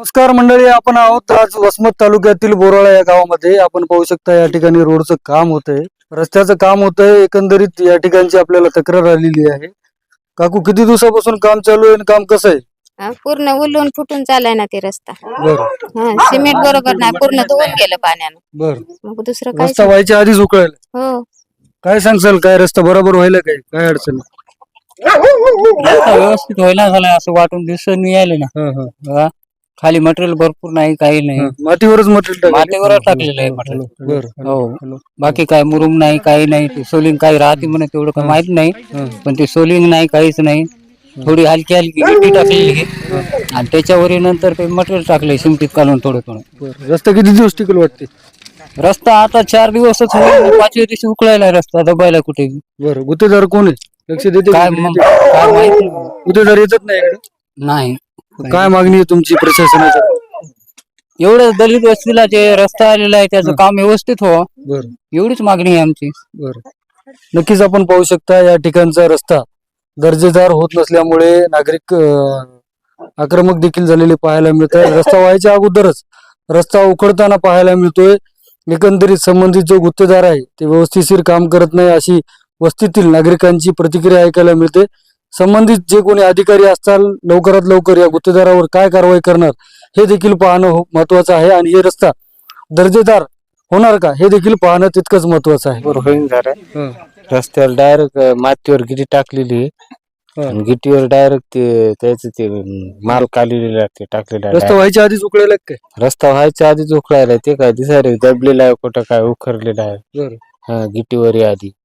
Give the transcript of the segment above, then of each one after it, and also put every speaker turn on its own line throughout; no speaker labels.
नमस्कार मंडळी, आपण आहोत आज वसमत तालुक्यातील बोराळा या गावामध्ये. आपण पाहू शकता या ठिकाणी रोडचं काम होतंय, रस्त्याचं काम होतंय. एकंदरीत या ठिकाणची आपल्याला तक्रार आलेली आहे. काकू, किती दिवसापासून काम चालू आहे आणि काम कसं आहे?
पूर्ण उलून फुटून चाललाय ना ते रस्ता.
बरं
सिमेंट बरोबर नाही, पूर्ण धुवून गेलं पाण्यानं.
बरं.
मग दुसरं काय
रस्ता व्हायच्या आधीच उकळायला.
हो
काय सांगसाल, काय रस्ता बरोबर व्हायला काय अडचण?
रस्ता व्यवस्थित व्हायला झालाय असं वाटून दिसून यायला ना.
हा, हा.
हा. खाली मटेरियल भरपूर नाही, काही नाही.
मातीवरच मटेरियल
मातीवर टाकलेलं आहे मटेरियल.
बरं.
हो, बाकी काय मुरुम नाही, काही नाही. ते सोलिंग काही राहते म्हणे तेवढं काही माहित नाही, पण ते सोलिंग नाही, काहीच नाही. थोडी हलकी हलकी गिट्टी टाकलेली आहे आणि त्याच्यावर नंतर ते मटेरियल टाकले सिमटीत काढून थोडं थोडं.
रस्ता किती दिवस टिकल वाटते?
रस्ता आता 4 दिवसच होईल, 5व्या दिवशी उकळायला रस्ता दबायला कुठे.
बरं, गुत्तेदार कोण आहे? लक्ष देते
काय
का?
मग काय माहित नाही.
गुत्तेदार येतात नाही इकडे?
नाही.
काय मागणी आहे तुमची प्रशासनाची?
एवढं दलित वस्तीला जे रस्ता आलेला आहे त्याचं काम व्यवस्थित हो,
बरं
एवढीच मागणी आहे आमची.
बरं. नक्कीच आपण पाहू शकता या ठिकाणचा रस्ता दर्जेदार होत नसल्यामुळे नागरिक आक्रमक देखील झालेले पाहायला मिळत आहे. रस्ता व्हायच्या अगोदरच रस्ता उखडताना पाहायला मिळतोय. एकंदरीत संबंधित जो गुत्तेदार आहे ते व्यवस्थितशीर काम करत नाही, अशी वस्तीतील नागरिकांची प्रतिक्रिया ऐकायला मिळते. संबंधित जे कोणी अधिकारी असतील लवकरात लवकर या गुत्तेदारावर काय कारवाई करणार हे देखील पाहणं महत्वाचं आहे आणि हे रस्ता दर्जेदार होणार का हे देखील पाहणं तितकंच महत्वाचं आहे.
होईन झालं. रस्त्यावर डायरेक्ट मातीवर गिटी टाकलेली आहे आणि गिटीवर डायरेक्ट ते त्याच ते माल काढलेला ते टाकलेला आहे.
रस्ता व्हायच्या आधीच उकळायला काय?
रस्ता व्हायच्या आधीच उकळायला ते काय दिसायला दबलेला आहे, कुठं काय उखरलेला आहे.
बरं.
हा, गिटीवर आहे आधी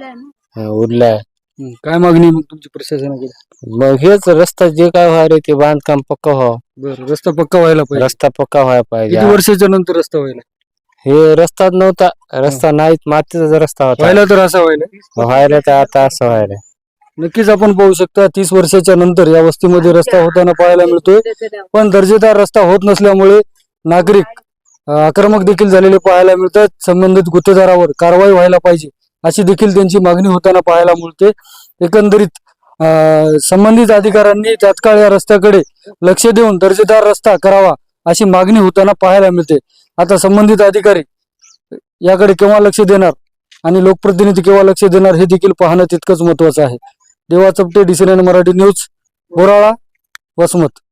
उरलाय.
काय मागणी मग तुमची प्रशासनाकडे?
मग हेच रस्ता जे काय व्हायला ते बांधकाम पक्का व्हावं.
बरं, रस्ता पक्का व्हायला पाहिजे.
रस्ता पक्का व्हायला पाहिजे.
किती वर्षाच्या नंतर रस्ता व्हायला?
हे रस्ताच नव्हता, रस्ता नाहीच, मातीचा रस्ता होता.
व्हायला तर असा व्हायला
व्हायला तर आता असं व्हायला.
नक्कीच आपण पाहू शकता 30 वर्षाच्या नंतर या वस्तीमध्ये रस्ता होताना पाहायला मिळतोय. पण दर्जेदार रस्ता होत नसल्यामुळे नागरिक आक्रमक देखील झालेले पाहायला मिळतात. संबंधित गुत्तेदारावर कारवाई व्हायला पाहिजे अशी देखील त्यांची मागणी होताना पाहायला मिळते. एकंदरीत संबंधित अधिकाऱ्यांनी तात्काळ या रस्त्याकडे लक्ष देऊन दर्जेदार रस्ता करावा अशी मागणी होताना पाहायला मिळते. आता संबंधित अधिकारी याकडे केव्हा लक्ष देणार आणि लोकप्रतिनिधी केव्हा लक्ष देणार हे देखील पाहणं तितकंच महत्वाचं आहे. Deva Chapte, DCN Marathi news, Borala, Vasmat.